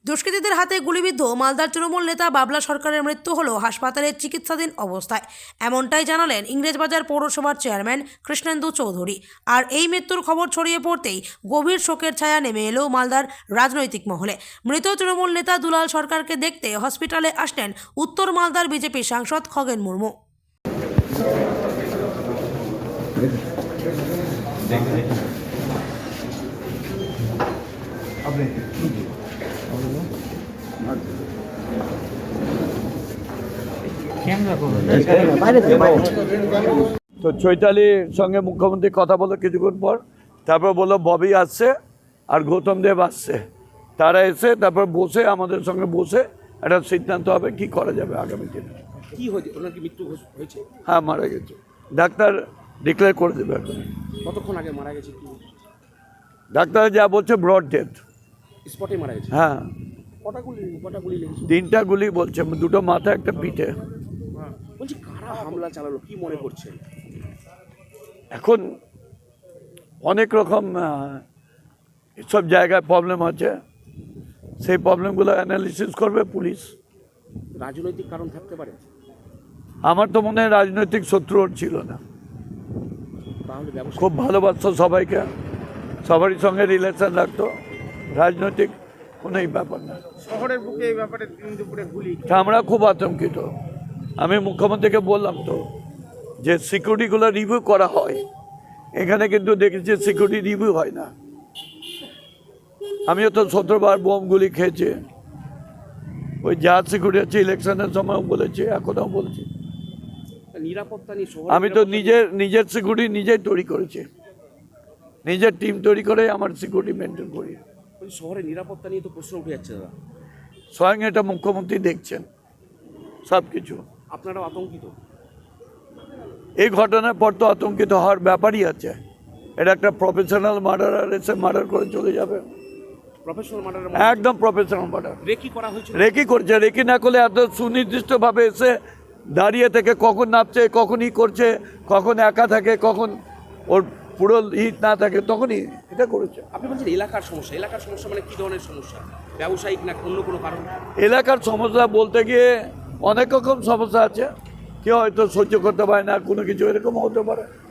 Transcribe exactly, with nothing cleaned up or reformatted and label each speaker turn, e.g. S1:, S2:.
S1: দুষ্কৃতীদের হাতে গুলিবিদ্ধ মালদার তৃণমূল নেতা বাবলা সরকারের মৃত্যু হল হাসপাতালে চিকিৎসাধীন অবস্থায়। এমনটাই জানালেন ইংরেজবাজার পৌরসভার চেয়ারম্যান কৃষ্ণেন্দু চৌধুরী। আর এই মৃত্যুর খবর ছড়িয়ে পড়তেই গভীর শোকের ছায়া নেমে এলো মালদার রাজনৈতিক মহলে। মৃত তৃণমূল নেতা দুলাল সরকারকে দেখতে হসপিটালে আসলেন উত্তর মালদার বিজেপি সাংসদ খগেন মুর্মু।
S2: তো চৈতালির সঙ্গে মুখ্যমন্ত্রী কথা বলে কিছুক্ষণ পর তারপর বললো ববি আসছে আর গৌতম দেব আসছে, তারা এসে তারপর বসে আমাদের সঙ্গে বসে একটা সিদ্ধান্ত হবে কি করা যাবে আগামী দিনে।
S3: কি হয়েছে? ওনার কি মৃত্যু হয়েছে?
S2: হ্যাঁ, মারা গেছে, ডাক্তার ডিক্লেয়ার করে দেবে এখন।
S3: কতক্ষণ আগে মারা গেছে? কি
S2: ডাক্তার যা বলছে ব্রড ডেথ,
S3: স্পটে মারা গেছে।
S2: হ্যাঁ,
S3: কটা গুলি কটা গুলি লেগেছে?
S2: তিনটা গুলি বলছে, দুটো মাথা একটা পিঠে।
S3: বলছি কারা হামলা চালালো, কি মনে করছেন?
S2: এখন অনেক রকম সব জায়গায় প্রবলেম আছে, সেই প্রবলেমগুলো অ্যানালিসিস করবে পুলিশ।
S3: রাজনৈতিক কারণ থাকতে পারে?
S2: আমার তো মনে হয় রাজনৈতিক শত্রু ওর ছিল না,
S3: তাহলে ব্যবসা
S2: খুব ভালোবাসতো সবাইকে, সবারই সঙ্গে রিলেশন রাখতো, রাজনৈতিক কোনো ব্যাপার না।
S3: শহরের বুকে এই ব্যাপারে দিন দুপুরে গুলি,
S2: তা আমরা খুব আতঙ্কিত। আমি মুখ্যমন্ত্রীকে বললাম তো যে সিকিউরিটিগুলো রিভিউ করা হয়, এখানে কিন্তু দেখেছি সিকিউরিটি রিভিউ হয় না। আমিও তো সতেরোবার বোমগুলি খেয়েছি, ওই যা সিকিউরিটি আছে ইলেকশনের সময়ও বলেছি, এখনও বলছি।
S3: নিরাপত্তা নিয়ে শহরে
S2: আমি তো নিজের নিজের সিকিউরিটি নিজেই তৈরি করেছি, নিজের টিম তৈরি করে আমার সিকিউরিটি মেনটেন করি।
S3: শহরে নিরাপত্তা নিয়ে তো প্রশ্ন উঠে যাচ্ছে দাদা।
S2: স্বয়ং এটা মুখ্যমন্ত্রী দেখছেন সব কিছু।
S3: আপনারাও আতঙ্কিত?
S2: এই ঘটনার পর তো আতঙ্কিত হওয়ার ব্যাপারই আছে। এটা একটা প্রফেশনাল মার্ডারার এসে মার্ডার করে চলে যাবে,
S3: প্রফেশনাল মার্ডার,
S2: একদম প্রফেশনাল মার্ডার।
S3: রেকি করা হয়েছে?
S2: রেকি করছে, রেকি না করলে এত সুনির্দিষ্টভাবে এসে দাঁড়িয়ে থেকে কখন নামছে, কখন ই করছে, কখন একা থাকে, কখন ওর পুরো হিট না থাকে, তখনই এটা করেছে।
S3: আপনি বলছেন এলাকার সমস্যা, এলাকার সমস্যা মানে কী ধরনের সমস্যা? ব্যবসায়িক না অন্য কোনো কারণ?
S2: এলাকার সমস্যা বলতে গিয়ে অনেক রকম সমস্যা আছে, কেউ হয়তো সহ্য করতে পারে না কোনো কিছু, এরকম হতে পারে।